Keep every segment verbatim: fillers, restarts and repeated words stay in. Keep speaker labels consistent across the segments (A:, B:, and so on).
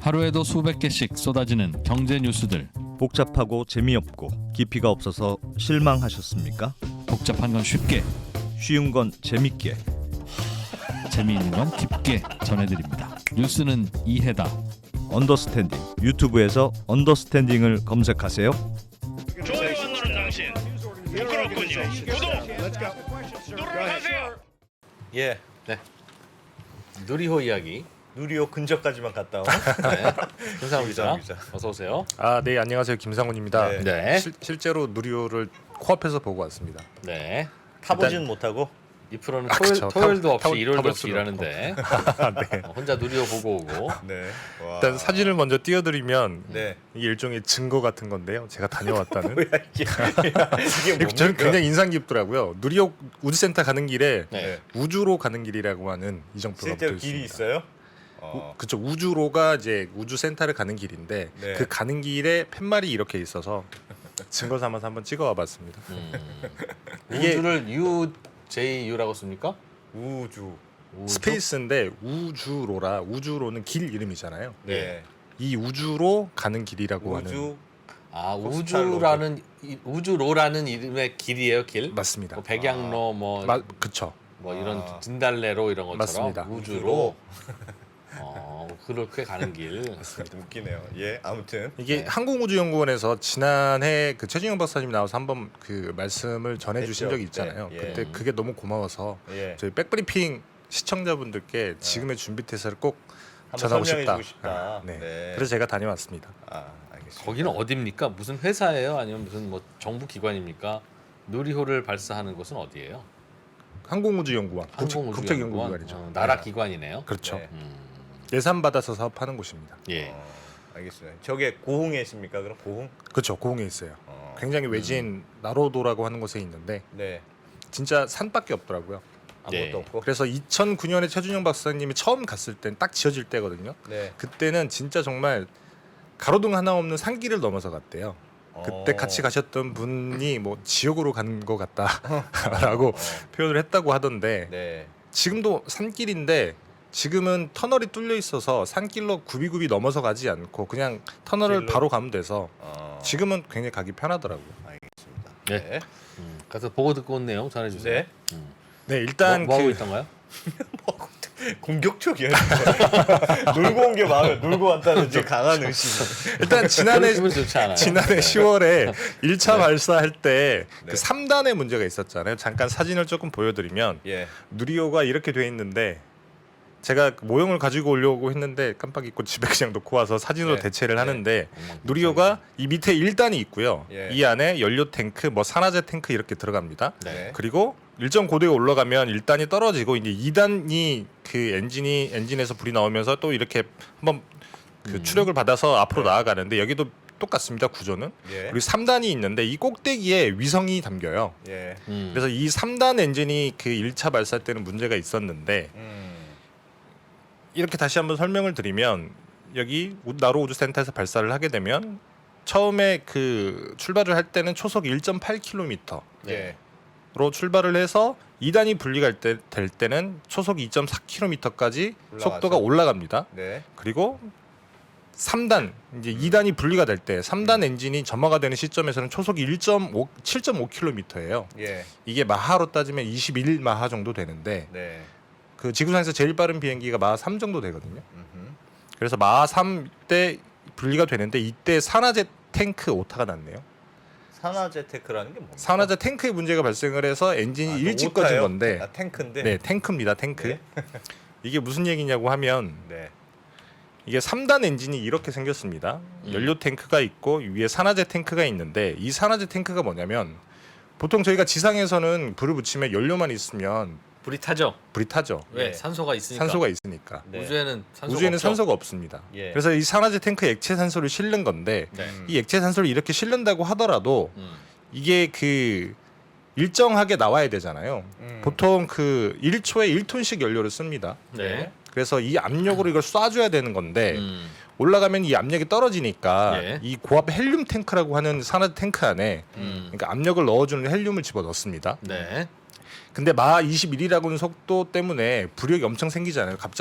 A: 하루에도 수백 개씩 쏟아지는 경제 뉴스들.
B: 복잡하고 재미없고 깊이가 없어서 실망하셨습니까?
A: 복잡한 건 쉽게,
B: 쉬운 건 재밌게.
A: 재미있는 건 깊게 전해드립니다. 뉴스는 이해다.
B: 언더스탠딩. 유튜브에서 언더스탠딩을 검색하세요.
C: 좋아요만 누른 당신 부끄럽군요. 구독 누르세요.
D: 예,
E: 네. 누리호 이야기.
D: 누리호 근처까지만 갔다 온.
E: 네. 김상훈 기자.
D: 기자.
E: 어서 오세요.
F: 아, 네, 안녕하세요. 김상훈입니다.
D: 네.
E: 네.
F: 실, 실제로 누리호를 코앞에서 보고 왔습니다.
E: 네.
D: 타보지는 못하고.
E: 이 프로는
F: 아,
E: 토요일,
F: 그쵸.
E: 토요일도
F: 타볼-
E: 없이
F: 타볼-
E: 일요일도
F: 타볼
E: 없이
F: 수가
E: 일하는데
F: 네.
E: 어, 혼자 누리호 보고 오고.
D: 네. 와.
F: 일단 사진을 먼저 띄워드리면
D: 네.
F: 이게 일종의 증거 같은 건데요. 제가 다녀왔다는.
D: 뭐야 이게? 이게 뭡니까?
F: 저는 굉장히 인상 깊더라고요. 누리호 우주센터 가는 길에
E: 네.
F: 우주로 가는 길이라고 하는 이정표가
D: 실제로
F: 붙어
D: 길이
F: 있습니다.
D: 있어요?
F: 우,
D: 어.
F: 그쵸. 우주로가 이제 우주센터를 가는 길인데
D: 네.
F: 그 가는 길에 팻말이 이렇게 있어서 증거 삼아서 한번 찍어와봤습니다.
E: 음.
F: 이게-
E: 우주를 U J U라고 씁니까?
D: 우주.
E: 우주?
F: 스페이스인데 우주로라 우주로는 길 이름이잖아요.
D: 네.
F: 이 우주로 가는 길이라고 하는
D: 우주.
E: 아
D: 포스탈
E: 우주라는 이- 우주로라는 이름의 길이에요 길?
F: 맞습니다.
E: 뭐 백양로 뭐,
F: 마, 그쵸.
E: 뭐 이런
D: 아.
E: 진달래로 이런 것처럼
F: 맞습니다.
E: 우주로. 어 그렇게 가는 길.
D: 웃기네요. 예, 아무튼.
F: 이게
E: 네.
F: 항공우주연구원에서 지난해 그 최진영 박사님 나와서 한번 그 말씀을 전해주신
D: 했죠.
F: 적이 있잖아요.
D: 네, 예.
F: 그때 그게 너무 고마워서
D: 예.
F: 저희 백브리핑 시청자분들께 지금의 준비 태세를 꼭
D: 한번
F: 전하고
D: 설명해
F: 싶다.
D: 주고 싶다.
F: 네.
D: 네.
F: 그래서 제가 다녀왔습니다.
D: 아, 알겠습니다.
E: 거기는 어디입니까? 무슨 회사예요? 아니면 무슨 뭐 정부 기관입니까? 누리호를 발사하는 곳은 어디예요?
F: 항공우주연구원,
E: 항공우주연구원?
F: 국책연구기관이죠.
E: 어, 나라
F: 네.
E: 기관이네요.
F: 그렇죠.
D: 네.
E: 음,
F: 예산 받아서 사업하는 곳입니다.
E: 예.
D: 어, 알겠습니다. 저게 고흥에 있습니까? 그럼 고흥?
F: 그렇죠. 고흥에 있어요.
D: 어.
F: 굉장히 외진
E: 음.
F: 나로도라고 하는 곳에 있는데
D: 네.
F: 진짜 산밖에 없더라고요.
D: 아무것도
E: 네.
D: 없고.
F: 그래서 이천구 년에 최준영 박사님이 처음 갔을 땐 딱 지어질 때거든요.
D: 네.
F: 그때는 진짜 정말 가로등 하나 없는 산길을 넘어서 갔대요. 그때
D: 어.
F: 같이 가셨던 분이 뭐 지옥으로 간 것 같다라고
D: 어.
F: 표현을 했다고 하던데
D: 네.
F: 지금도 산길인데 지금은 터널이 뚫려 있어서 산길로 굽이굽이 넘어서 가지 않고 그냥 터널을
D: 길로?
F: 바로 가면 돼서
D: 어.
F: 지금은 굉장히 가기 편하더라고요.
D: 알겠습니다.
E: 네.
D: 네.
E: 음, 가서 보고 듣고 온 내용 전해주세요.
D: 네.
E: 음.
F: 네, 일단
E: 뭐, 뭐 하고
F: 그
E: 있던가요?
D: 공격적이야. 놀고 온 게 마음에 놀고 왔다는 이제 강한 의심.
F: 일단 지난해
E: 기분 좋지 않아요.
F: 지난해 시월에 일 차
D: 네.
F: 발사할 때 그
D: 네.
F: 삼 단의 문제가 있었잖아요. 잠깐 사진을 조금 보여드리면
D: 예.
F: 누리호가 이렇게 돼 있는데 제가 모형을 가지고 오려고 했는데 깜빡 잊고 집에 그냥 놓고 와서 사진으로
D: 네.
F: 대체를
D: 네.
F: 하는데
E: 음,
F: 누리호가 이 밑에 일 단이 있고요.
D: 예.
F: 이 안에 연료 탱크, 뭐 산화제 탱크 이렇게 들어갑니다.
E: 네.
F: 그리고 일정 고도에 올라가면 일 단이 떨어지고 이제 이 단이 그 엔진이 엔진에서 불이 나오면서 또 이렇게 한번 그
E: 음.
F: 추력을 받아서 앞으로
D: 네.
F: 나아가는데 여기도 똑같습니다. 구조는.
D: 예.
F: 그리고 삼 단이 있는데 이 꼭대기에 위성이 담겨요.
D: 예.
E: 음.
F: 그래서 이 삼 단 엔진이 그 일 차 발사 때는 문제가 있었는데
D: 음.
F: 이렇게 다시 한번 설명을 드리면 여기 우- 나로 우주센터에서 발사를 하게 되면 처음에 그 출발을 할 때는 초속 일 점 팔 킬로미터로
D: 예.
F: 출발을 해서 이 단이 분리가 때, 될 때는 초속 이 점 사 킬로미터까지
D: 올라가죠.
F: 속도가 올라갑니다.
D: 네.
F: 그리고 삼 단 이제 이 단이 분리가 될 때 삼 단 엔진이 점화가 되는 시점에서는 초속이 일 점 오 칠 점 오 킬로미터예요.
D: 예.
F: 이게 마하로 따지면 이십일 마하 정도 되는데
D: 네.
F: 그 지구상에서 제일 빠른 비행기가 마하 삼 정도 되거든요.
D: 음흠.
F: 그래서 마하 삼 때 분리가 되는데 이때 산화제 탱크 오타가 났네요.
D: 산화제 테크라는 게 뭡니까?
F: 산화제 탱크에 문제가 발생을 해서 엔진이
D: 아,
F: 일찍
D: 오타예요?
F: 꺼진 건데
D: 아, 탱크인데.
F: 네, 탱크입니다. 탱크.
D: 네.
F: 이게 무슨 얘기냐고 하면
D: 네.
F: 이게 삼 단 엔진이 이렇게 생겼습니다.
E: 음.
F: 연료 탱크가 있고 위에 산화제 탱크가 있는데 이 산화제 탱크가 뭐냐면 보통 저희가 지상에서는 불을 붙이면 연료만 있으면
E: 불이 타죠.
F: 불이 타죠.
E: 왜?
D: 예.
E: 산소가 있으니까.
F: 산소가 있으니까.
D: 네.
E: 우주에는 산소가
F: 우주에는
E: 없죠?
F: 산소가 없습니다.
D: 예.
F: 그래서 이 산화제 탱크에 액체 산소를 실는 건데
E: 네.
D: 음.
F: 이 액체 산소를 이렇게 실는다고 하더라도
E: 음.
F: 이게 그 일정하게 나와야 되잖아요.
D: 음.
F: 보통 그 일 초에 일 톤씩 연료를 씁니다.
E: 네.
F: 그래서 이 압력으로 이걸 쏴줘야 되는 건데
E: 음.
F: 올라가면 이 압력이 떨어지니까
E: 예.
F: 이 고압 헬륨 탱크라고 하는 산화 탱크 안에
E: 음.
F: 그러니까 압력을 넣어주는 헬륨을 집어 넣습니다.
E: 네.
F: 근데 마하 이십일이라고 하는 속도 때문에 부력이 엄청 생기잖아요. 갑자기 속,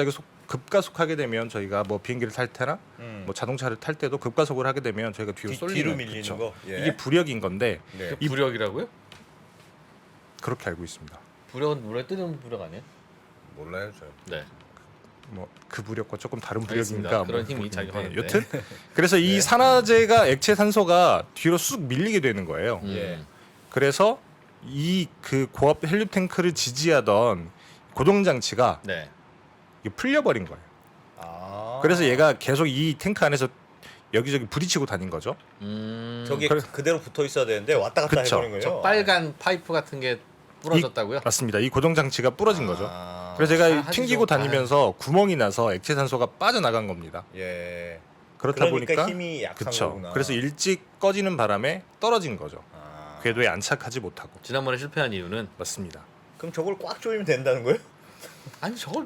F: 급가속하게 되면 저희가 뭐 비행기를 탈 때나
D: 음.
F: 뭐 자동차를 탈 때도 급가속을 하게 되면 저희가 뒤로
D: 뒤,
F: 쏠리는
D: 뒤로 밀리는
F: 그쵸.
D: 거. 예.
F: 이게 부력인 건데
D: 네.
E: 이 부력이라고요?
F: 그렇게 알고 있습니다.
E: 부력은 물에 뜨는 부력 아니에요?
D: 몰라요, 저.
E: 네.
F: 뭐 그 부력과 조금 다른
E: 알겠습니다.
F: 부력인가
E: 그런
F: 뭐
E: 힘이
F: 모르겠는데
E: 작용하는데.
F: 여튼 그래서 이
D: 네.
F: 산화제가 액체 산소가 뒤로 쑥 밀리게 되는 거예요.
E: 음.
D: 예.
F: 그래서 이 그 고압 헬륨 탱크를 지지하던 고정 장치가
E: 네.
F: 이게 풀려버린 거예요.
D: 아.
F: 그래서 얘가 계속 이 탱크 안에서 여기저기 부딪히고 다닌 거죠.
E: 음.
D: 저기
F: 그래-
D: 그대로 붙어 있어야 되는데 왔다 갔다
F: 그쵸.
D: 해버린 거예요.
E: 저 빨간 파이프 같은 게 부러졌다고요?
F: 맞습니다. 이 고정 장치가 부러진 거죠.
D: 아.
F: 그래서
E: 잘
F: 제가
E: 하시죠.
F: 튕기고 다니면서 구멍이 나서 액체 산소가 빠져나간 겁니다.
D: 예.
F: 그렇다
D: 그러니까
F: 보니까
D: 힘이 약한
F: 그쵸.
D: 거구나.
F: 그래서 일찍 꺼지는 바람에 떨어진 거죠.
D: 아.
F: 궤도에 안착하지 못하고.
E: 지난번에 실패한 이유는
F: 맞습니다.
D: 그럼 저걸 꽉 조이면 된다는 거예요?
E: 아니 저걸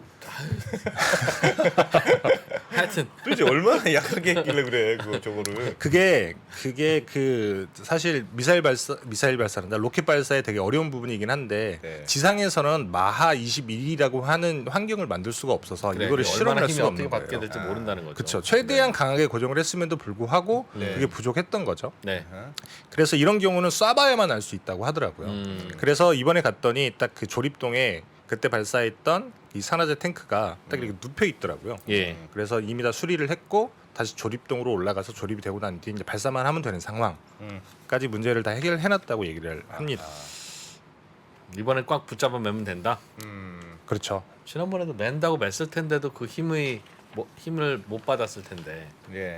E: 하여튼
D: 도대체 얼마나 약하게 했길래 그래 그거 저거를.
F: 그게 그게 그 사실 미사일 발사 미사일 발사란다 로켓 발사에 되게 어려운 부분이긴 한데
D: 네.
F: 지상에서는 마하 이십일이라고 하는 환경을 만들 수가 없어서
E: 그래,
F: 이거를
E: 얼마나
F: 실험을 할
E: 힘이
F: 수가
E: 어떻게
F: 없는
E: 받게
F: 거예요.
E: 될지
D: 아,
E: 모른다는 거죠.
F: 그렇죠. 최대한 강하게 고정을 했음에도 불구하고
D: 네.
F: 그게 부족했던 거죠.
E: 네.
F: 그래서 이런 경우는 쏴봐야만 알 수 있다고 하더라고요.
E: 음.
F: 그래서 이번에 갔더니 딱 그 조립동에 그때 발사했던 이 산화제 탱크가 딱 이렇게 눕혀 있더라고요.
E: 예.
F: 그래서 이미 다 수리를 했고 다시 조립동으로 올라가서 조립이 되고 난 뒤 이제 발사만 하면 되는 상황까지
D: 음.
F: 문제를 다 해결해놨다고 얘기를 합니다.
E: 이번에 꽉 붙잡아 매면 된다.
D: 음.
F: 그렇죠.
E: 지난번에도 맨다고 맸을 텐데도 그 힘의 뭐, 힘을 못 받았을 텐데
D: 예.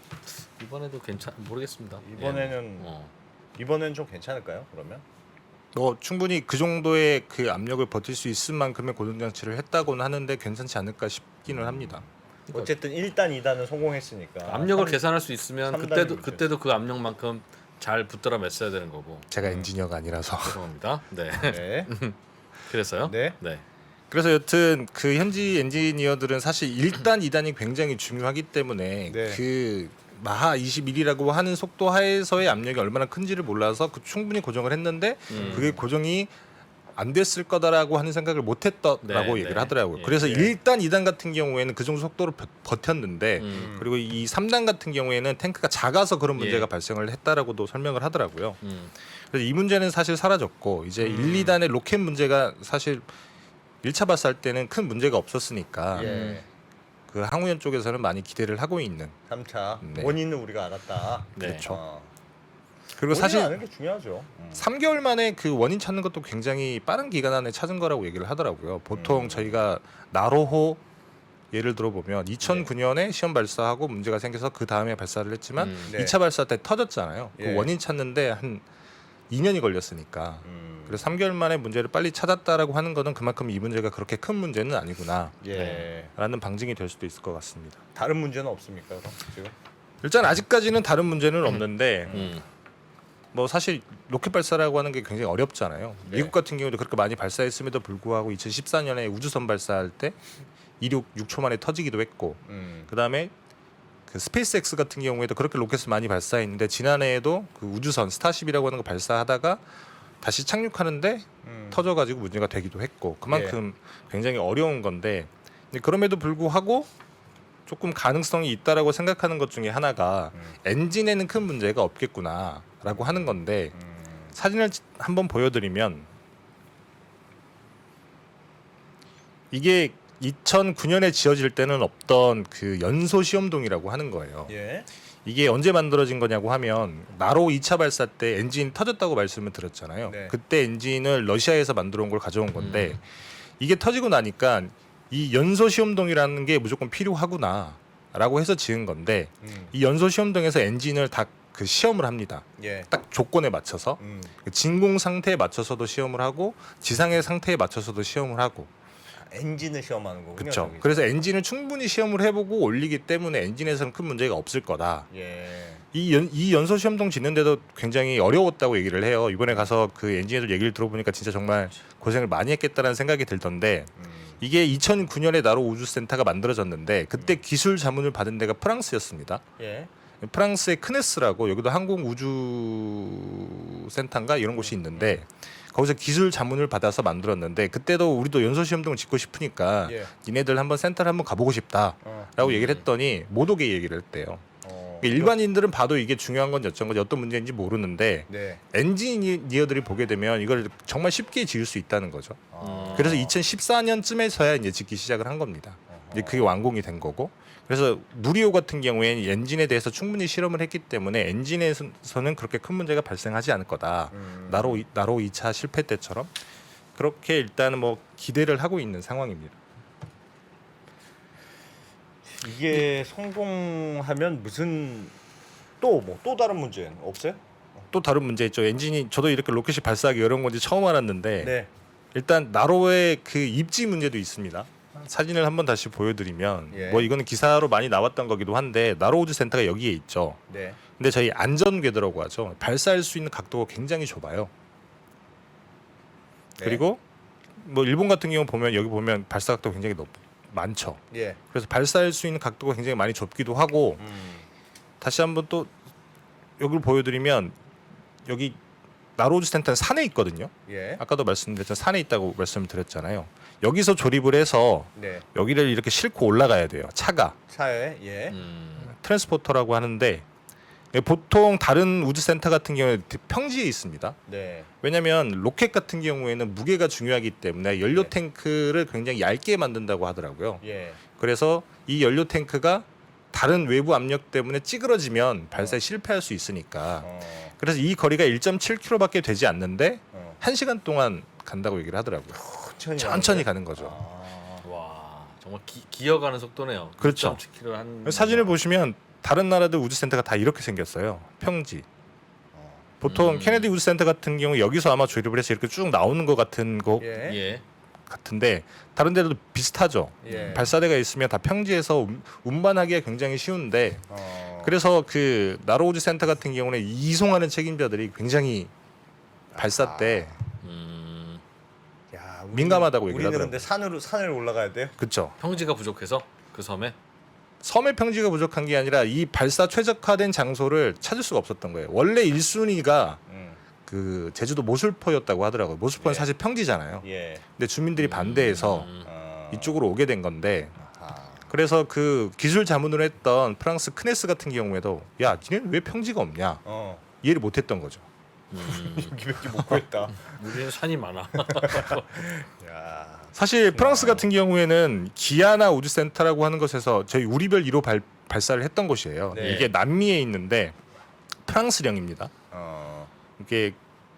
E: 이번에도 괜찮 모르겠습니다.
D: 이번에는
E: 예. 어.
D: 이번에는 좀 괜찮을까요? 그러면?
F: 뭐 충분히 그 정도의 그 압력을 버틸 수 있을 만큼의 고정 장치를 했다고는 하는데 괜찮지 않을까 싶기는 합니다.
D: 어쨌든 일 단, 이 단은 성공했으니까.
E: 압력을
D: 삼-
E: 계산할 수 있으면
D: 삼
E: 그때도
D: 단이 문제죠.
E: 그때도 그 압력만큼 잘 붙들어 맸어야 되는 거고.
F: 제가 엔지니어가 아니라서.
E: 죄송합니다. 네.
D: 네.
E: 그래서요?
D: 네.
E: 네.
F: 그래서 여튼 그 현지 엔지니어들은 사실 일 단, 이 단이 굉장히 중요하기 때문에
D: 네.
F: 그 마하 이십일이라고 하는 속도 하에서의 압력이 얼마나 큰지를 몰라서 그 충분히 고정을 했는데
E: 음.
F: 그게 고정이 안 됐을 거다라고 하는 생각을 못 했더라고
E: 네,
F: 얘기를
E: 네.
F: 하더라고요.
E: 예.
F: 그래서
D: 예.
F: 일 단, 이 단 같은 경우에는 그 정도 속도로 버- 버텼는데
E: 음.
F: 그리고 이 삼 단 같은 경우에는 탱크가 작아서 그런 문제가
E: 예.
F: 발생을 했다라고도 설명을 하더라고요.
E: 음.
F: 그래서 이 문제는 사실 사라졌고 이제
D: 음.
F: 일, 이 단의 로켓 문제가 사실 일 차 발사할 때는 큰 문제가 없었으니까
D: 예.
F: 그 항우연 쪽에서는 많이 기대를 하고 있는.
D: 삼 차
F: 네.
D: 원인은 우리가 알았다.
E: 네.
F: 그렇죠.
D: 어.
F: 그리고
D: 원인
F: 사실
D: 아는 게 중요하죠. 음.
F: 삼 개월 만에 그 원인 찾는 것도 굉장히 빠른 기간 안에 찾은 거라고 얘기를 하더라고요. 보통
D: 음.
F: 저희가 나로호 예를 들어 보면 이천구 년에 시험 발사하고 문제가 생겨서 그 다음에 발사를 했지만
E: 음.
D: 네.
F: 이 차 발사 때 터졌잖아요.
D: 예.
F: 그 원인 찾는데 한 이 년이 걸렸으니까.
D: 음.
F: 그래서 삼 개월 만에 문제를 빨리 찾았다라고 하는 거는 그만큼 이 문제가 그렇게 큰 문제는 아니구나라는
D: 예.
F: 방증이 될 수도 있을 것 같습니다.
D: 다른 문제는 없습니까? 그럼 지금?
F: 일단 아직까지는 다른 문제는 없는데
E: 음.
F: 뭐 사실 로켓 발사라고 하는 게 굉장히 어렵잖아요.
D: 네.
F: 미국 같은 경우도 그렇게 많이 발사했음에도 불구하고 이천십사 년에 우주선 발사할 때 이륙 육 초 만에 터지기도 했고
D: 음.
F: 그다음에 그 스페이스X 같은 경우에도 그렇게 로켓을 많이 발사했는데 지난해에도 그 우주선 스타쉽이라고 하는 거 발사하다가 다시 착륙하는데
D: 음.
F: 터져가지고 문제가 되기도 했고 그만큼
D: 예.
F: 굉장히 어려운 건데 근데 그럼에도 불구하고 조금 가능성이 있다라고 생각하는 것 중에 하나가
D: 음.
F: 엔진에는 큰 문제가 없겠구나라고 하는 건데
D: 음.
F: 사진을 한번 보여드리면 이게 이천구 년에 지어질 때는 없던 그 연소 시험동이라고 하는 거예요.
D: 예.
F: 이게 언제 만들어진 거냐고 하면 나로 이 차 발사 때 엔진이 터졌다고 말씀을 드렸잖아요.
D: 네.
F: 그때 엔진을 러시아에서 만들어 온 걸 가져온 건데 이게 터지고 나니까 이 연소 시험동이라는 게 무조건 필요하구나라고 해서 지은 건데
D: 음.
F: 이 연소 시험동에서 엔진을 다 그 시험을 합니다.
D: 예.
F: 딱 조건에 맞춰서
D: 음.
F: 그 진공 상태에 맞춰서도 시험을 하고 지상의 상태에 맞춰서도 시험을 하고
D: 엔진을 시험하는 거군요.
F: 그렇죠.
D: 저기서.
F: 그래서 엔진을 충분히 시험을 해보고 올리기 때문에 엔진에서는 큰 문제가 없을 거다.
D: 예.
F: 이, 연, 이 연소 시험동 짓는데도 굉장히 어려웠다고 얘기를 해요. 이번에 가서 그 엔지니어들 얘기를 들어보니까 진짜 정말 고생을 많이 했겠다라는 생각이 들던데
D: 음.
F: 이게 이천구 년에 나로 우주센터가 만들어졌는데 그때 기술 자문을 받은 데가 프랑스였습니다.
D: 예.
F: 프랑스의 크네스라고 여기도 항공 우주 센터인가 이런 곳이 있는데 거기서 기술 자문을 받아서 만들었는데 그때도 우리도 연소 시험등을 짓고 싶으니까
D: 예.
F: 니네들 한번 센터를 한번 가보고 싶다라고
D: 어.
F: 얘기를 했더니 못 오게 얘기를 했대요.
D: 어.
F: 그러니까 일반인들은 봐도 이게 중요한 건지 어쩐 건지 어떤 문제인지 모르는데
D: 네.
F: 엔지니어들이 보게 되면 이걸 정말 쉽게 지을 수 있다는 거죠.
D: 아.
F: 그래서 이천십사 년쯤에서야 이제 짓기 시작을 한 겁니다. 이제 그게 완공이 된 거고. 그래서 누리호 같은 경우에는 엔진에 대해서 충분히 실험을 했기 때문에 엔진에서는 그렇게 큰 문제가 발생하지 않을 거다.
D: 음.
F: 나로 이- 나로 이 차 실패 때처럼 그렇게 일단은 뭐 기대를 하고 있는 상황입니다.
D: 이게 성공하면 무슨 또 뭐 또 다른 문제는 없어요?
F: 또 다른 문제 있죠. 엔진이 저도 이렇게 로켓이 발사하기 어려운 건지 처음 알았는데
D: 네.
F: 일단 나로의 그 입지 문제도 있습니다. 사진을 한번 다시 보여드리면
D: 예.
F: 뭐 이거는 기사로 많이 나왔던 거기도 한데 나로 우주 센터가 여기에 있죠.
D: 네.
F: 근데 저희 안전궤도라고 하죠. 발사할 수 있는 각도가 굉장히 좁아요.
D: 네.
F: 그리고 뭐 일본 같은 경우 보면 여기 보면 발사 각도가 굉장히 높 많죠.
D: 예.
F: 그래서 발사할 수 있는 각도가 굉장히 많이 좁기도 하고
D: 음.
F: 다시 한번 또 여기를 보여드리면 여기 나로우즈 센터는 산에 있거든요.
D: 예.
F: 아까도 말씀드렸지만 산에 있다고 말씀을 드렸잖아요. 여기서 조립을 해서
D: 네.
F: 여기를 이렇게 싣고 올라가야 돼요. 차가
D: 차에 예.
E: 음.
F: 트랜스포터라고 하는데 보통 다른 우주 센터 같은 경우에 평지에 있습니다.
D: 네.
F: 왜냐하면 로켓 같은 경우에는 무게가 중요하기 때문에 연료
D: 네.
F: 탱크를 굉장히 얇게 만든다고 하더라고요.
D: 예.
F: 그래서 이 연료 탱크가 다른 외부 압력 때문에 찌그러지면 발사에 실패할 수 있으니까
D: 어.
F: 그래서 이 거리가 일 점 칠 킬로미터밖에 되지 않는데
D: 어.
F: 한 시간 동안 간다고 얘기를 하더라고요.
D: 천천히
F: 천천히
D: 가는
F: 가는 거죠.
D: 아.
E: 와 정말 기, 기어가는 속도네요.
F: 그렇죠.
E: 일 점 칠 킬로미터 한
F: 사진을 보시면 다른 나라들 우주센터가 다 이렇게 생겼어요. 평지.
D: 어.
F: 보통
E: 음.
F: 케네디 우주센터 같은 경우 여기서 아마 조립을 해서 이렇게 쭉 나오는 것 같은 거
D: 예.
E: 예.
F: 같은데 다른 데도 비슷하죠.
D: 예.
F: 발사대가 있으면 다 평지에서 운- 운반하기가 굉장히 쉬운데
D: 어.
F: 그래서 그 나로 우주센터 같은 경우는 이송하는 책임자들이 굉장히 발사 때
D: 아.
F: 그
D: 야, 우리-
F: 민감하다고 얘기를
D: 우리는
F: 하더라고요.
D: 근데 산으로 산을 올라가야 돼요.
F: 그렇죠.
E: 평지가 부족해서 그 섬에
F: 섬의 평지가 부족한 게 아니라 이 발사 최적화된 장소를 찾을 수가 없었던 거예요. 원래 일 순위가
D: 음.
F: 그 제주도 모술포였다고 하더라고요. 모술포는
D: 예.
F: 사실 평지잖아요.
D: 예.
F: 근데 주민들이 반대해서
E: 음.
D: 어.
F: 이쪽으로 오게 된 건데
D: 아하.
F: 그래서 그 기술 자문을 했던 프랑스 크네스 같은 경우에도 야, 니네는 왜 평지가 없냐
D: 어.
F: 이해를 못했던 거죠.
E: 음.
D: 여기밖에 못 구했다.
E: 우리는 산이 많아.
D: 야.
F: 사실 프랑스 같은 경우에는 기아나 우주센터라고 하는 것에서 저희 우리별 일 호 발, 발사를 했던 곳이에요.
D: 네.
F: 이게 남미에 있는데 프랑스령입니다.
D: 어.
F: 이게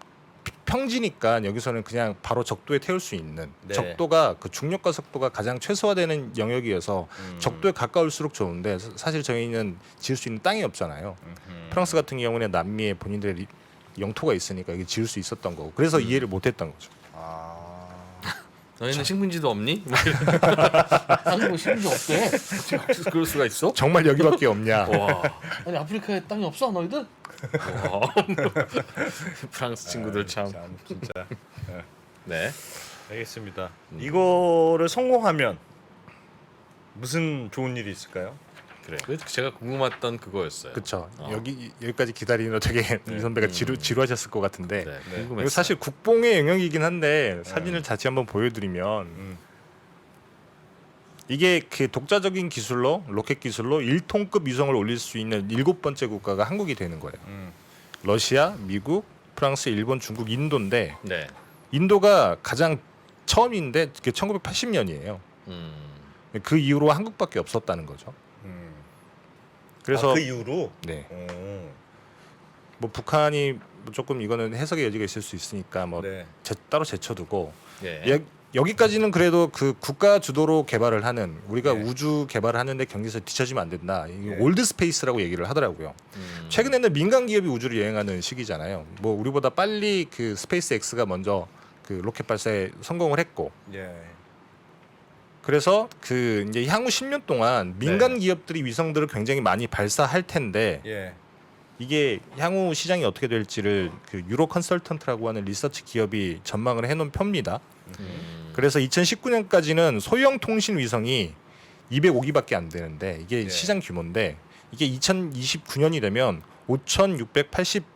F: 평지니까 여기서는 그냥 바로 적도에 태울 수 있는
D: 네.
F: 적도가 그 중력과 속도가 가장 최소화되는 영역이어서
D: 음.
F: 적도에 가까울수록 좋은데 사- 사실 저희는 지을 수 있는 땅이 없잖아요.
D: 음흠.
F: 프랑스 같은 경우는 남미에 본인들의 리- 영토가 있으니까 이게 지을 수 있었던 거고 그래서 이해를 못했던 거죠.
D: 아.
E: 너희는 식민지도 없니? 뭐 이런. 아니 뭐 식민지 없대. 어떻게 그럴 수가 있어?
F: 정말 여기밖에 없냐?
E: 와. 아니 아프리카에 땅이 없어 너희들? 와. 프랑스 친구들 참.
D: 참 진짜.
E: 네.
D: 알겠습니다.
F: 음.
D: 이거를 성공하면 무슨 좋은 일이 있을까요?
E: 그래. 그래서 제가 궁금했던 그거였어요.
F: 그렇죠.
E: 어.
F: 여기 여기까지 기다리는 거 되게 이 선배가 지루
E: 음.
F: 지루하셨을 것 같은데
E: 네.
D: 네.
E: 궁금했어요.
F: 이거 사실 국뽕의 영역이긴 한데 사진을 다시 한번 보여드리면
D: 음.
F: 이게 그 독자적인 기술로 로켓 기술로 일 톤급 위성을 올릴 수 있는 일곱 번째 국가가 한국이 되는 거예요.
D: 음.
F: 러시아, 미국, 프랑스, 일본, 중국, 인도인데
E: 네.
F: 인도가 가장 처음인데 그게 천구백팔십 년이에요.
E: 음.
F: 그 이후로 한국밖에 없었다는 거죠.
D: 음.
F: 그래서
D: 아, 그 이후로.
F: 네,
D: 오.
F: 뭐 북한이 뭐 조금 이거는 해석의 여지가 있을 수 있으니까 뭐
D: 네.
F: 제, 따로 제쳐두고
E: 예.
F: 예, 여기까지는 그래도 그 국가 주도로 개발을 하는 우리가
D: 네.
F: 우주 개발을 하는데 경기에서 뒤처지면 안 된다. 이게
D: 네.
F: 올드 스페이스라고 얘기를 하더라고요.
E: 음.
F: 최근에는 민간 기업이 우주를 여행하는 시기잖아요. 뭐 우리보다 빨리 그 스페이스 X가 먼저 그 로켓 발사에 성공을 했고
D: 예.
F: 그래서 그 이제 향후 십 년 동안 민간
D: 네.
F: 기업들이 위성들을 굉장히 많이 발사할 텐데
D: 예.
F: 이게 향후 시장이 어떻게 될지를 그 유로 컨설턴트라고 하는 리서치 기업이 전망을 해놓은 편입니다.
E: 음.
F: 그래서 이천십구 년까지는 소형 통신 위성이 이백오 기밖에 안 되는데 이게
D: 네.
F: 시장 규모인데 이게 이천이십구 년이 되면 오천육백팔십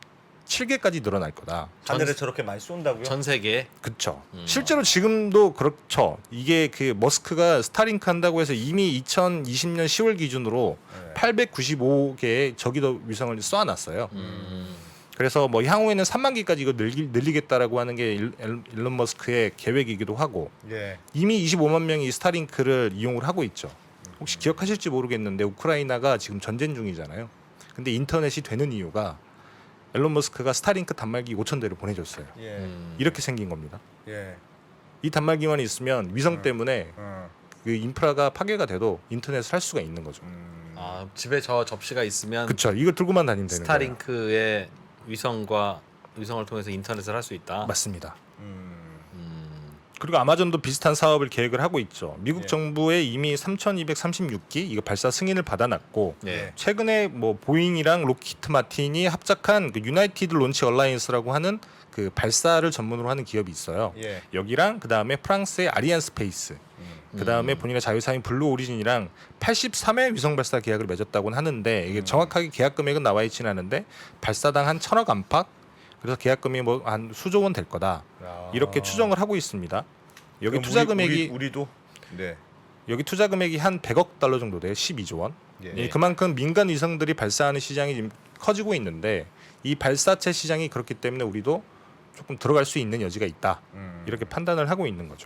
F: 칠 개까지 늘어날 거다.
D: 하늘에 저렇게 많이 쏜다고요?
E: 전 세계.
F: 그렇죠.
E: 음.
F: 실제로 지금도 그렇죠. 이게 그 머스크가 스타링크 한다고 해서 이미 이천이십 년 시월 기준으로
D: 네.
F: 팔백구십오 개의 저기도 위성을 쏘아놨어요.
E: 음.
F: 그래서 뭐 향후에는 삼만 개까지 이거 늘리, 늘리겠다라고 하는 게 일, 일- 일론 머스크의 계획이기도 하고
D: 예.
F: 이미 이십오만 명이 이 스타링크를 이용을 하고 있죠. 혹시 기억하실지 모르겠는데 우크라이나가 지금 전쟁 중이잖아요. 근데 인터넷이 되는 이유가 일론 머스크가 스타링크 단말기 오천 대를 보내줬어요.
D: 예.
E: 음.
F: 이렇게 생긴 겁니다.
D: 예.
F: 이 단말기만 있으면 위성
D: 음.
F: 때문에
D: 어.
F: 그 인프라가 파괴가 돼도 인터넷을 할 수가 있는 거죠.
D: 음.
E: 아, 집에 저 접시가 있으면
F: 그렇죠. 이거 들고만 다니면 되는 거예요.
E: 스타링크의 위성과 위성을 통해서 인터넷을 할 수 있다.
F: 맞습니다.
D: 음.
E: 음.
F: 그리고 아마존도 비슷한 사업을 계획을 하고 있죠. 미국
D: 예.
F: 정부에 이미 삼천이백삼십육 기 이거 발사 승인을 받아놨고
E: 예.
F: 최근에 뭐 보잉이랑 로키트 마틴이 합작한 그 유나이티드 론치 얼라이언스라고 하는 그 발사를 전문으로 하는 기업이 있어요.
D: 예.
F: 여기랑 그 다음에 프랑스의 아리안 스페이스,
D: 음.
F: 그 다음에
E: 음.
F: 본인의 자유사인 블루 오리진이랑 팔십삼 회 위성 발사 계약을 맺었다고는 하는데 이게
D: 음.
F: 정확하게 계약 금액은 나와 있지는 않은데 발사당 한 천억 안팎, 그래서 계약 금액이 뭐 한 수조 원 될 거다
D: 아.
F: 이렇게 추정을 하고 있습니다. 여기
D: 그럼
F: 투자
D: 우리-
F: 금액이
D: 우리, 우리도 네.
F: 여기 투자 금액이 한 백억 달러 정도 돼요. 십이조 원.
D: 예.
F: 예, 그만큼 민간 위성들이 발사하는 시장이 지금 커지고 있는데 이 발사체 시장이 그렇기 때문에 우리도 조금 들어갈 수 있는 여지가 있다.
D: 음.
F: 이렇게 판단을 하고 있는 거죠.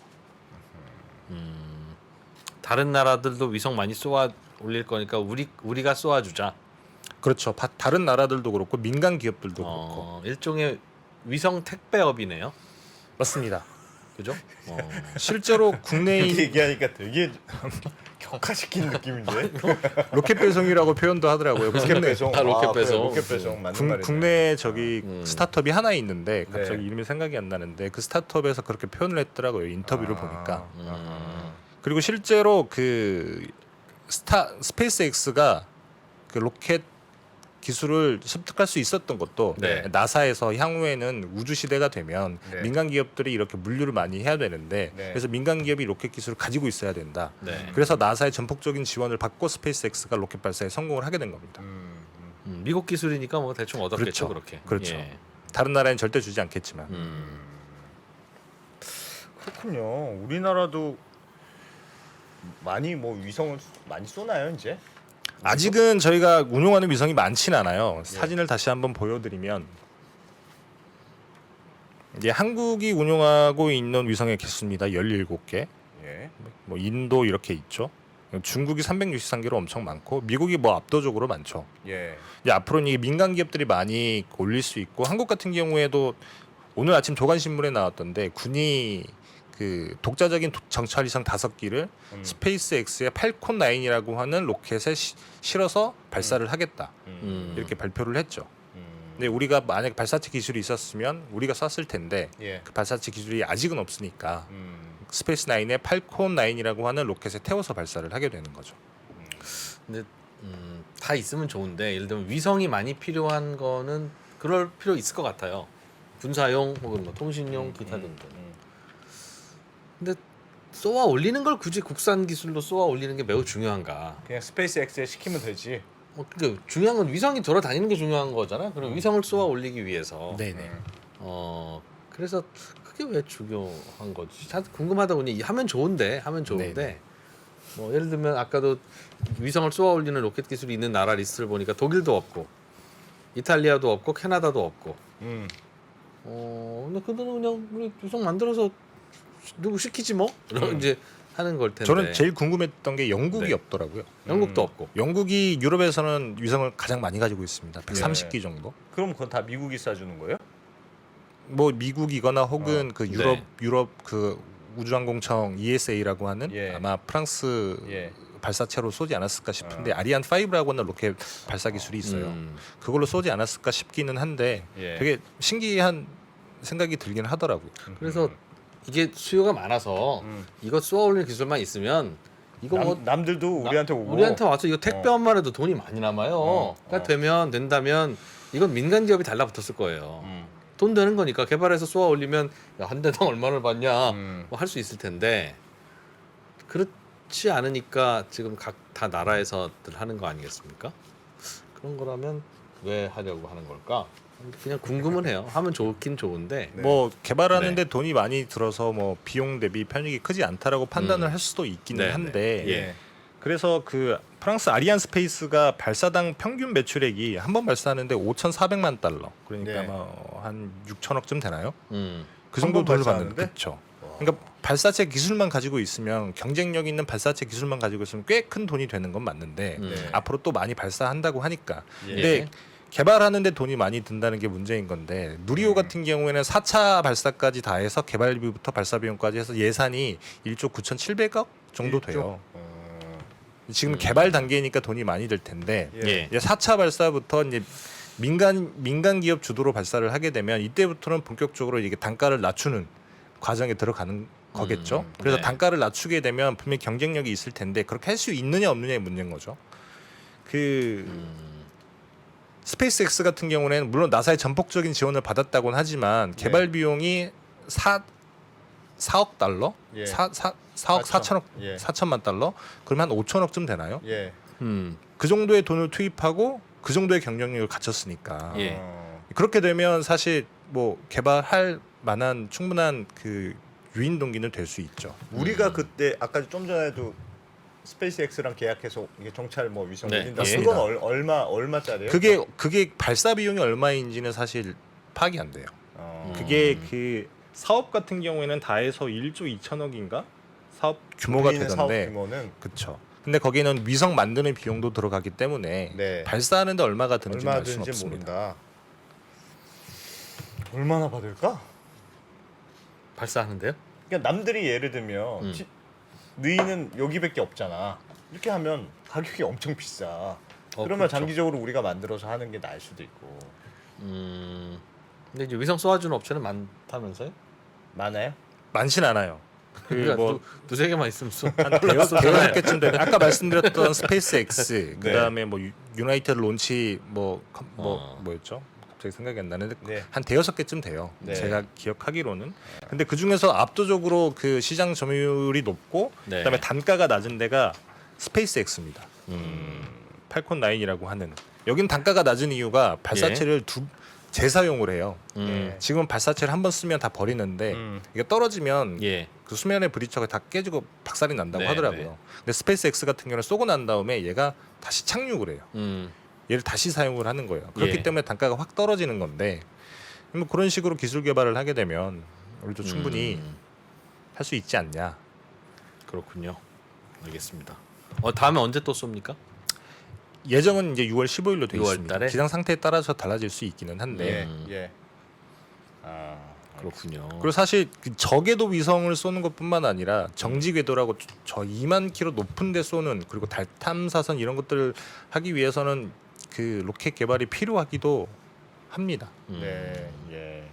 E: 음. 다른 나라들도 위성 많이 쏘아 올릴 거니까 우리 우리가 쏘아 주자.
F: 그렇죠. 바- 다른 나라들도 그렇고 민간 기업들도 그렇고
E: 어, 일종의 위성 택배업이네요.
F: 맞습니다.
E: 그죠? 어.
F: 실제로 국내에
D: 이렇게 얘기하니까 되게 격화시킨 느낌인데.
F: 로켓 배송이라고 표현도 하더라고요.
D: 로켓
F: 국내
D: 배송.
E: 아, 로켓
D: 그래,
E: 배송.
D: 로켓 배송 맞는
F: 국,
D: 말이네.
F: 국내에 저기
E: 음.
F: 스타트업이 하나 있는데 갑자기
D: 네.
F: 이름이 생각이 안 나는데 그 스타트업에서 그렇게 표현을 했더라고요. 인터뷰를
D: 아.
F: 보니까.
E: 음.
F: 그리고 실제로 그 스타 스페이스X가 그 로켓 기술을 습득할 수 있었던 것도
E: 네.
F: 나사에서 향후에는 우주 시대가 되면
D: 네.
F: 민간 기업들이 이렇게 물류를 많이 해야 되는데
D: 네.
F: 그래서 민간 기업이 로켓 기술을 가지고 있어야 된다.
E: 네.
F: 그래서 나사의 전폭적인 지원을 받고 스페이스X가 로켓 발사에 성공을 하게 된 겁니다.
D: 음, 음.
E: 음, 미국 기술이니까 뭐 대충 얻었겠죠,
F: 그렇죠.
E: 그렇게.
F: 그렇죠.
E: 예.
F: 다른 나라엔 절대 주지 않겠지만.
E: 음.
D: 그렇군요. 우리나라도 많이 뭐 위성을 많이 쏘나요 이제?
F: 아직은 저희가 운용하는 위성이 많지는 않아요. 사진을 다시 한번 보여드리면 이제 한국이 운용하고 있는 위성의 개수입니다. 열일곱 개.
D: 예.
F: 뭐 인도 이렇게 있죠. 중국이 삼백육십삼 개로 엄청 많고 미국이 뭐 압도적으로 많죠.
D: 예.
F: 이제 앞으로는 이게 민간 기업들이 많이 올릴 수 있고 한국 같은 경우에도 오늘 아침 조간신문에 나왔던데 군이 그 독자적인 도- 정찰위성 다섯 기를
D: 음.
F: 스페이스X의 팔콘 나인이라고 하는 로켓에 시- 실어서 발사를 하겠다
E: 음.
F: 이렇게 발표를 했죠.
D: 음.
F: 근데 우리가 만약 발사체 기술이 있었으면 우리가 쐈을 텐데
D: 예.
F: 그 발사체 기술이 아직은 없으니까
D: 음.
F: 스페이스 나인의 팔콘 나인이라고 하는 로켓에 태워서 발사를 하게 되는 거죠.
E: 근데 음, 다 있으면 좋은데 예를 들면 위성이 많이 필요한 거는 그럴 필요 있을 것 같아요. 군사용 혹은 뭐 통신용 기타 등등.
D: 음.
E: 근데 쏘아 올리는 걸 굳이 국산 기술로 쏘아 올리는 게 매우 중요한가?
D: 그냥 스페이스X에 시키면 되지.
E: 뭐 그러니까 중요한 건 위성이 돌아다니는 게 중요한 거잖아. 그럼 위성을 쏘아 올리기 위해서.
F: 네네.
D: 음.
E: 어 그래서 그게 왜 중요한 거지? 참 궁금하다 보니 하면 좋은데 하면 좋은데
F: 네네.
E: 뭐 예를 들면 아까도 위성을 쏘아 올리는 로켓 기술이 있는 나라 리스트를 보니까 독일도 없고 이탈리아도 없고 캐나다도 없고.
D: 음.
E: 어 근데 그들은 그냥 우리 위성 만들어서 누구 시키지 뭐 이런
F: 음.
E: 이제 하는 걸 텐데.
F: 저는 제일 궁금했던 게 영국이
E: 네.
F: 없더라고요.
E: 영국도
D: 음.
E: 없고.
F: 영국이 유럽에서는 위성을 가장 많이 가지고 있습니다. 백삼십 기 정도.
D: 그럼 그건 다 미국이 쏴주는 거예요?
F: 뭐 미국이거나 혹은
D: 어.
F: 그 유럽
E: 네.
F: 유럽 그 우주항공청 이에스에이라고 하는
D: 예.
F: 아마 프랑스
D: 예.
F: 발사체로 쏘지 않았을까 싶은데
D: 어.
F: 아리안 파이브라고 하는 로켓 발사 기술이 있어요.
E: 음.
F: 그걸로 쏘지 않았을까 싶기는 한데
D: 예.
F: 되게 신기한 생각이 들긴 하더라고요.
E: 그래서 이게 수요가 많아서
D: 음.
E: 이거 쏘아 올리는 기술만 있으면 이거 뭐
D: 남, 남들도
E: 나-
D: 우리한테 오고
E: 우리한테 와서 이거 택배업만 해도 돈이 많이 남아요.
D: 어,
E: 그러니까
D: 어.
E: 되면 된다면 이건 민간 기업이 달라붙었을 거예요.
D: 음.
E: 돈 되는 거니까 개발해서 쏘아 올리면 한 대당 얼마를 받냐
D: 음.
E: 뭐 할 수 있을 텐데 그렇지 않으니까 지금 각 다 나라에서들 하는 거 아니겠습니까? 그런 거라면 왜 하려고 하는 걸까? 그냥 궁금은 해요. 하면 좋긴 좋은데
D: 네.
F: 뭐 개발하는데
E: 네.
F: 돈이 많이 들어서 뭐 비용 대비 편익이 크지 않다라고 판단을
E: 음.
F: 할 수도 있기는
E: 네,
F: 한데
E: 네. 예.
F: 그래서 그 프랑스 아리안 스페이스가 발사당 평균 매출액이 한 번 발사하는데 오천사백만 달러 그러니까
D: 네.
F: 뭐한 육천억쯤 되나요?
E: 음.
F: 그
D: 한
F: 정도
D: 번
F: 돈을
D: 발사하는데?
F: 받는데 그렇죠. 그러니까 발사체 기술만 가지고 있으면 경쟁력 있는 발사체 기술만 가지고 있으면 꽤 큰 돈이 되는 건 맞는데
E: 음.
D: 네.
F: 앞으로 또 많이 발사한다고 하니까
D: 예.
F: 근데 개발하는데 돈이 많이 든다는 게 문제인 건데 누리호
D: 음.
F: 같은 경우에는 사 차 발사까지 다 해서 개발비부터 발사 비용까지 해서 예산이 일조 구천칠백억 정도
D: 일조?
F: 돼요.
D: 어,
F: 지금
E: 음.
F: 개발 단계니까 돈이 많이 들 텐데
D: 예.
E: 예.
F: 이제 사 차 발사부터 이제 민간 민간 기업 주도로 발사를 하게 되면 이때부터는 본격적으로 이게 단가를 낮추는 과정에 들어가는 거겠죠.
E: 음,
F: 그래서
E: 네.
F: 단가를 낮추게 되면 분명히 경쟁력이 있을 텐데 그렇게 할 수 있느냐 없느냐의 문제인 거죠. 그
E: 음.
F: 스페이스X 같은 경우는 물론 나사의 전폭적인 지원을 받았다고는 하지만
D: 네.
F: 개발 비용이 사 사억 달러,
D: 예.
F: 사, 사, 사억
D: 사천.
F: 사천억
D: 예.
F: 사천만 달러, 그러면 한 오천억쯤 되나요?
D: 예.
E: 음.
F: 그 정도의 돈을 투입하고 그 정도의 경쟁력을 갖췄으니까
E: 예.
D: 어,
F: 그렇게 되면 사실 뭐 개발할 만한 충분한 그 유인 동기는 될 수 있죠.
D: 우리가
E: 음.
D: 그때 아까 좀 전에도 스페이스X랑 계약해서 이게 정찰 뭐 위성
E: 네,
D: 올린다.
F: 맞습니다.
D: 그건 얼, 얼마 얼마짜리예요?
F: 그게 그게 발사 비용이 얼마인지는 사실 파악이 안 돼요.
D: 어,
F: 그게 그 사업 같은 경우에는 다 해서 일조 이천억인가 사업 규모가
D: 우리 있는 사업
F: 되던데
D: 규모는
F: 그렇죠. 근데 거기는 위성 만드는 비용도 들어가기 때문에
D: 네.
F: 발사하는데 얼마가 드는지 알 수는
D: 얼마든지
F: 없습니다.
D: 모른다. 얼마나 받을까?
E: 발사하는데요?
D: 그러니까 남들이 예를 들면
E: 음.
D: 지, 너희는 여기밖에 없잖아. 이렇게 하면 가격이 엄청 비싸.
E: 어,
D: 그러면
E: 그렇죠.
D: 장기적으로 우리가 만들어서 하는 게 나을 수도 있고.
E: 음. 근데 이제 위성 쏘아주는 업체는 많다면서요?
D: 많아요?
F: 많진 않아요.
E: 그러니까
F: 그뭐
E: 두, 두세 개만 있으면 쏘.
F: 대여섯 개쯤 되는 아까 말씀드렸던 스페이스X
D: 네.
F: 그다음에 뭐 유- 유나이티드 론치 뭐뭐 뭐,
E: 어.
F: 뭐였죠? 갑자기 생각이 안 나는데
D: 네.
F: 한 대여섯 개쯤 돼요.
D: 네.
F: 제가 기억하기로는. 근데 그 중에서 압도적으로 그 시장 점유율이 높고
E: 네.
F: 그다음에 단가가 낮은 데가 스페이스X입니다.
E: 음.
F: 팔콘 나인이라고 하는. 여긴 단가가 낮은 이유가 발사체를 두 재사용을 해요.
E: 음.
F: 지금은 발사체를 한 번 쓰면 다 버리는데
D: 음.
F: 이게 떨어지면
E: 예.
F: 그 수면의 브리처가 다 깨지고 박살이 난다고
E: 네,
F: 하더라고요.
E: 네.
F: 근데 스페이스X 같은 경우는 쏘고 난 다음에 얘가 다시 착륙을 해요.
E: 음.
F: 얘를 다시 사용을 하는 거예요. 그렇기
E: 예.
F: 때문에 단가가 확 떨어지는 건데 뭐 그런 식으로 기술 개발을 하게 되면 우리도 충분히
E: 음.
F: 할 수 있지 않냐.
E: 그렇군요. 알겠습니다. 어 다음에 언제 또 쏩니까?
F: 예정은 이제 유월 십오일로 되어
E: 유월
F: 있습니다.
E: 달에?
F: 기상 상태에 따라서 달라질 수 있기는 한데
D: 예.
E: 음.
D: 예. 아,
E: 그렇군요.
F: 그리고 사실 그 적외도 위성을 쏘는 것뿐만 아니라 정지 궤도라고 저 이만 킬로 높은 데 쏘는 그리고 달 탐사선 이런 것들을 하기 위해서는 그 로켓 개발이 필요하기도 합니다.
E: 음.
D: 네. 예.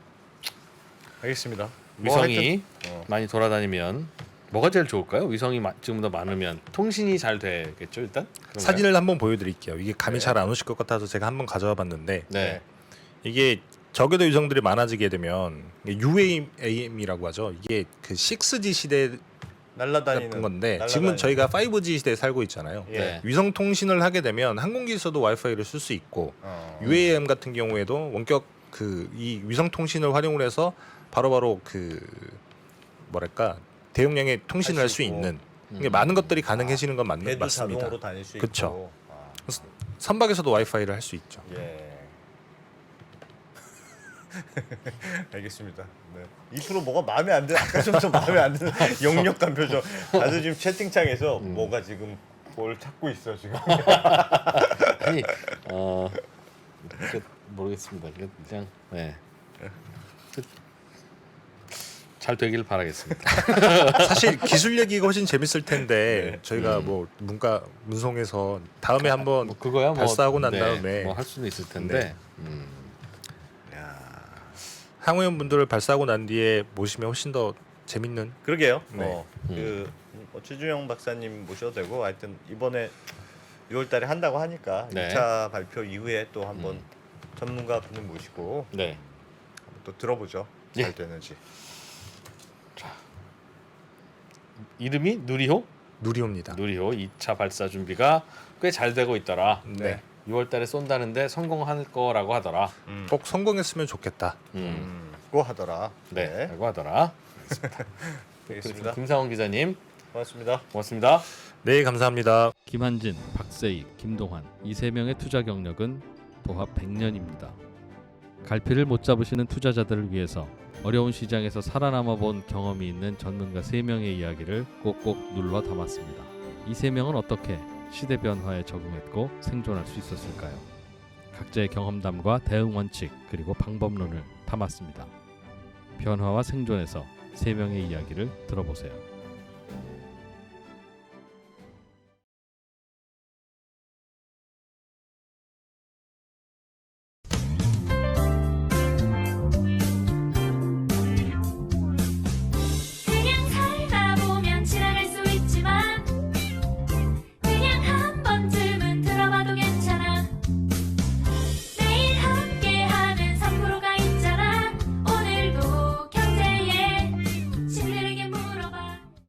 D: 알겠습니다. 뭐
E: 위성이
D: 하여튼, 어.
E: 많이 돌아다니면 뭐가 제일 좋을까요? 위성이 마- 지금보다 많으면 통신이 잘 되겠죠 일단. 그런가요?
F: 사진을 한번 보여드릴게요. 이게 감이
D: 네.
F: 잘 안 오실 것 같아서 제가 한번 가져와 봤는데
E: 네.
F: 이게 적외도 위성들이 많아지게 되면 유에이엠이라고 하죠. 이게 그 식스지 시대에
D: 날라다니는
F: 나쁜 건데
D: 날라다니는-
F: 지금은 저희가 파이브지 시대에 살고 있잖아요.
D: 예.
E: 네.
F: 위성 통신을 하게 되면 항공기에서도 와이파이를 쓸 수 있고
D: 어.
F: 유에이엠 같은 경우에도 원격 그 이 위성 통신을 활용을 해서 바로바로 그 뭐랄까 대용량의 통신을 할
D: 할
F: 수
D: 수 있고.
F: 있는 이게
E: 음.
F: 많은 것들이 가능해지는 건 맞,
D: 배도
F: 맞습니다.
D: 자동으로 다닐 수
F: 그쵸.
D: 있고. 아,
F: 선박에서도 와이파이를 할 수 있죠.
D: 예. 알겠습니다. 네. 이 프로 뭐가 마음에 안 드는 아까 좀, 좀 마음에 안 드는 역력한 표정. 다들 지금 채팅창에서
E: 음.
D: 뭐가 지금 뭘 찾고 있어 지금.
E: 아니 어 그, 모르겠습니다. 그, 그냥 네. 그, 잘 되길 바라겠습니다.
F: 사실 기술 얘기가 훨씬 재밌을 텐데
D: 네.
F: 저희가
E: 음.
F: 뭐 문과 문송에서 다음에 한번
E: 뭐 그거야 뭐
F: 발사하고 난
E: 네,
F: 다음에
E: 뭐 할 수는 있을 텐데.
F: 네.
E: 음.
F: 항우연 분들을 발사하고 난 뒤에 모시면 훨씬 더 재밌는
D: 그러게요.
F: 네.
D: 어,
E: 음.
D: 그 뭐 최준영 박사님 모셔도 되고 하여튼 이번에 유월달에 한다고 하니까
E: 네.
D: 이 차 발표 이후에 또 한번
E: 음.
D: 전문가 분을 모시고
E: 네.
D: 또 들어보죠.
E: 예.
D: 잘 되는지.
E: 이름이 누리호?
F: 누리호입니다.
E: 누리호 이 차 발사 준비가 꽤 잘 되고 있더라.
F: 네.
E: 유월 달에 쏜다는데 성공할 거라고 하더라.
F: 꼭 성공했으면 좋겠다.
E: 음.
D: 음, 고 하더라.
E: 네,
D: 네.
E: 라고 하더라.
D: 되겠습니다.
E: 김상원 기자님
D: 고맙습니다.
E: 고맙습니다.
F: 네, 감사합니다.
A: 김한진, 박세익, 김동환 이 세 명의 투자 경력은 도합 백 년입니다. 갈피를 못 잡으시는 투자자들을 위해서 어려운 시장에서 살아남아 본 경험이 있는 전문가 세 명의 이야기를 꼭꼭 눌러 담았습니다. 이 세 명은 어떻게 시대 변화에 적응했고 생존할 수 있었을까요? 각자의 경험담과 대응 원칙 그리고 방법론을 담았습니다. 변화와 생존에서 세 명의 이야기를 들어보세요.